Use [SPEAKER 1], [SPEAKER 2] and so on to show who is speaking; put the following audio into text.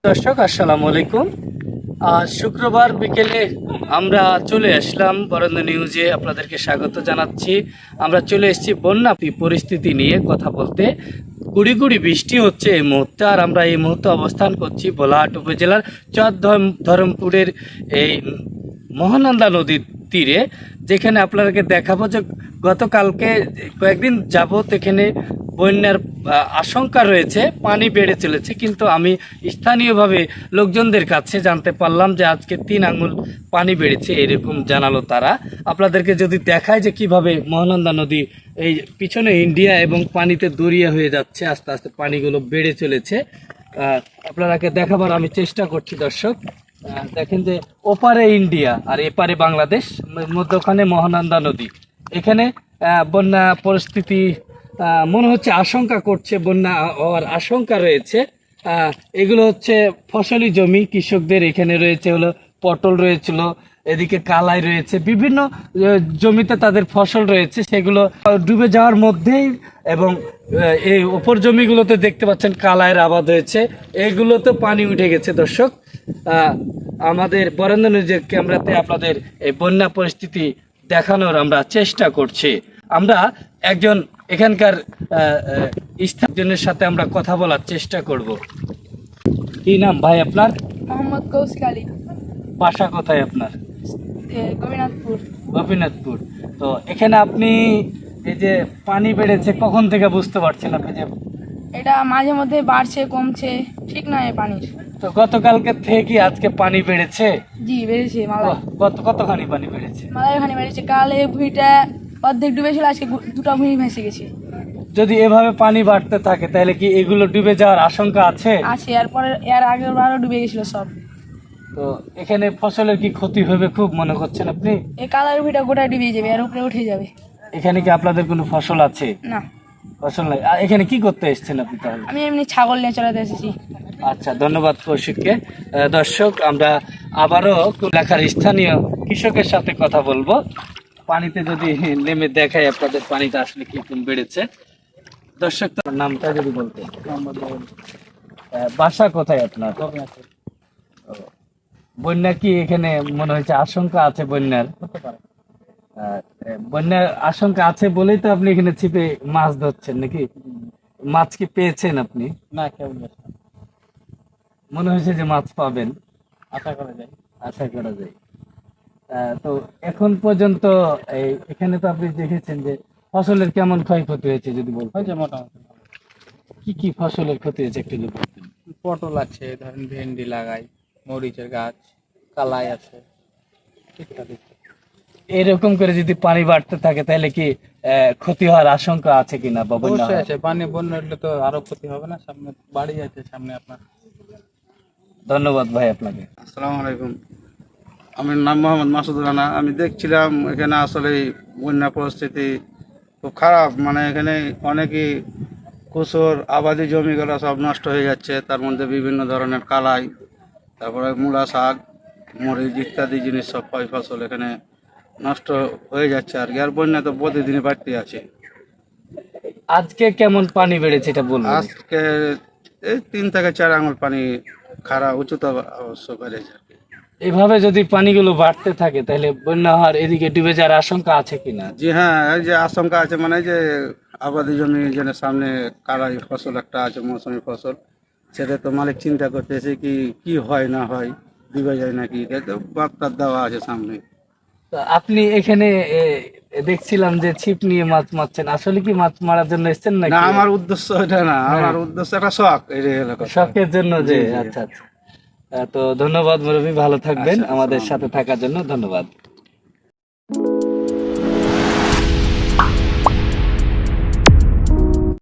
[SPEAKER 1] দর্শক আসসালামু আলাইকুম। আজ শুক্রবার বিকেলে আমরা চলে আসলাম বরেন্দ্র নিউজে, আপনাদেরকে স্বাগত জানাচ্ছি। আমরা চলে এসেছি বন্যা পরিস্থিতি নিয়ে কথা বলতে। গুড়ি গুড়ি বৃষ্টি হচ্ছে এই মুহূর্তে, আর আমরা এই মুহূর্তে অবস্থান করছি ভোলাহাট উপজেলার ধরমপুরের এই মহানন্দা নদীর তীরে, যেখানে আপনাদেরকে দেখাবো যে গতকালকে কয়েকদিন যাবত এখানে বন্যার আশঙ্কা রয়েছে, পানি বেড়ে চলেছে। কিন্তু আমি স্থানীয়ভাবে লোকজনদের কাছে জানতে পারলাম যে আজকে 3 আঙুল পানি বেড়েছে, এরকম জানালো তারা। আপনাদেরকে যদি দেখায় যে কিভাবে মহানন্দা নদী এই পিছনে ইন্ডিয়া এবং পানিতে দরিয়া হয়ে যাচ্ছে, আস্তে আস্তে পানিগুলো বেড়ে চলেছে। আপনাদেরকে দেখাবার আমি চেষ্টা করছি দর্শক। দেখেন যে ওপারে ইন্ডিয়া আর এপারে বাংলাদেশ, মধ্যখানে মহানন্দা নদী। এখানে বন্যা পরিস্থিতি মনে হচ্ছে আশঙ্কা করছে, বন্যা হওয়ার আশঙ্কা রয়েছে। এগুলো হচ্ছে ফসলি জমি কৃষকদের। এখানে রয়েছে হলো পটল রয়েছিল, এদিকে কালাই রয়েছে, বিভিন্ন জমিতে তাদের ফসল রয়েছে, সেগুলো ডুবে যাওয়ার মধ্যেই। এবং এই ওপর জমিগুলোতে দেখতে পাচ্ছেন কালাইয়ের আবাদ হয়েছে, এগুলোতে পানি উঠে গেছে দর্শক। আমাদের বরেন্দ্র নিউজের ক্যামেরাতে আপনাদের এই বন্যা পরিস্থিতি দেখানোর আমরা চেষ্টা করছি। আমরা একজন এখানকার স্থানীয়জনের সাথে আমরা কথা বলার চেষ্টা করব। কি নাম ভাই আপনার?
[SPEAKER 2] মোহাম্মদ কৌশিক আলী।
[SPEAKER 1] বাসা কোথায় আপনার?
[SPEAKER 2] গোপীনাথপুর।
[SPEAKER 1] গোপীনাথপুর। তো এখানে আপনি এই যে পানি বেড়েছে, কখন থেকে বুঝতে পারছেন আপনি যে?
[SPEAKER 2] এটা মাঝে মধ্যে বাড়ছে কমছে, ঠিক নয় পানির।
[SPEAKER 1] তো গতকালকে থেকে আজকে পানি বেড়েছে?
[SPEAKER 2] জি বেড়েছে। মালাই
[SPEAKER 1] কতখানি পানি বেড়েছে?
[SPEAKER 2] মালাই ওখানে বেড়েছে। কালে ভুঁইটা অর্ধেক ডুবেছিল, আজকে দুটো ভুঁই ভেসে গেছে।
[SPEAKER 1] যদি এভাবে পানি বাড়তে থাকে তাহলে কি এগুলো ডুবে যাওয়ার আশঙ্কা আছে?
[SPEAKER 2] আছে, এরপরে এর আগের বারও ডুবে গেছিল সব।
[SPEAKER 1] তো এখানে ফসলের কি ক্ষতি হবে খুব মনে করছেন আপনি?
[SPEAKER 2] এই কালার ভুঁইটা গোটা ডুবে যাবে, এর উপরে উঠে যাবে।
[SPEAKER 1] এখানে কি আপনাদের কোনো ফসল আছে?
[SPEAKER 2] না,
[SPEAKER 1] ফসল নাই। এখানে কি করতে এসেছেন আপনি তাহলে?
[SPEAKER 2] আমি এমনি ছাগল নিয়ে চলাতে এসেছি।
[SPEAKER 1] আচ্ছা, ধন্যবাদ কৌশিককে। দর্শক, আমরা আবারও এলাকার স্থানীয় কৃষকের সাথে কথা বলবো। পানিতে যদি নেমে দেখাই আপনাদের পানিটা আসলে কিরকম বেড়েছে। দর্শক, তার নামটা যদি বলতে। বাসা কোথায় আপনার? বন্যা কি এখানে মনে হচ্ছে আশঙ্কা আছে? বন্যার বন্যার আশঙ্কা আছে বলেই তো আপনি এখানে ছিপে মাছ ধরছেন নাকি? মাছ কি পেয়েছেন আপনি?
[SPEAKER 3] না, কেমন
[SPEAKER 1] মনে হয়েছে যে মাছ পাবেন,
[SPEAKER 3] আশা করা যায়।
[SPEAKER 1] আশা করা যায়। তো এখন পর্যন্ত এখানে তো আপনি দেখেছেন যে ফসলের কেমন ক্ষয়ক্ষতি হয়েছে যদি বলতেন।
[SPEAKER 3] হয়েছে মোটামুটি ভালো।
[SPEAKER 1] কি কি ফসলের ক্ষতি হয়েছে একটু যদি বলতেন।
[SPEAKER 3] পটল আছে, ধরেন ভেন্ডি লাগাই, মরিচের গাছ, কালাই আছে ইত্যাদি।
[SPEAKER 1] এরকম করে যদি পানি বাড়তে থাকে তাহলে কি ক্ষতি হওয়ার আশঙ্কা আছে কিনা বা বন্যা
[SPEAKER 3] অবশ্যই
[SPEAKER 1] হওয়ার?
[SPEAKER 3] আছে, পানি বন্যা হলে তো আরো ক্ষতি হবে না। সামনে বাড়ি আছে, সামনে আপনার।
[SPEAKER 1] ধন্যবাদ ভাই আপনাকে।
[SPEAKER 4] আসসালামু আলাইকুম। আমার নাম মোহাম্মদ মাসুদ রানা। আমি দেখছিলাম এখানে আসলে বন্যা পরিস্থিতি খুব খারাপ। মানে এখানে অনেকই কুসুর আবাদি জমিগুলো সব নষ্ট হয়ে যাচ্ছে। তার মধ্যে বিভিন্ন ধরনের কালাই, তারপরে মূলা শাক, মরিচ ইত্যাদি জিনিস সব ফসল এখানে নষ্ট হয়ে যাচ্ছে। আর বন্যা তো প্রতিদিনই বাড়তে আছে।
[SPEAKER 1] আজকে কেমন পানি বেড়েছে এটা বলুন।
[SPEAKER 4] আজকে এই 3 থেকে 4 আঙুল পানি খারাপ উচ্চতা অবশ্য বেড়েছে।
[SPEAKER 1] এভাবে যদি পানিগুলো বাড়তে থাকে তাহলে বন্যা হওয়ার এদিকে ডুবে যাওয়ার আশঙ্কা আছে কিনা?
[SPEAKER 4] জি হ্যাঁ, এই যে আশঙ্কা আছে, মানে যে আবাদি জমি যেন সামনে কালাই ফসল একটা আছে, মৌসুমী ফসল, সেটা তো মালিক চিন্তা করতেছে কি হয় না হয়, ডুবে যায় নাকি। এটা তো বার্তা দেওয়া আছে সামনে।
[SPEAKER 1] তো আপনি এখানে দেখছিলাম যে ছিপ নিয়ে মাছ মারছেন, আসলে কি মাছ মারার জন্য এসেছেন
[SPEAKER 4] না,
[SPEAKER 1] নাকি?
[SPEAKER 4] আমার উদ্দেশ্য এটা না, আমার উদ্দেশ্য একটা শখ। এই হলো কথা।
[SPEAKER 1] শখের জন্য যে?
[SPEAKER 4] জি, জি।
[SPEAKER 1] আচ্ছা আচ্ছা। তো ধন্যবাদ মুরব্বী, ভালো থাকবেন।
[SPEAKER 4] আচ্ছা,
[SPEAKER 1] আমাদের
[SPEAKER 4] আসসালামু
[SPEAKER 1] সাথে থাকার জন্য ধন্যবাদ।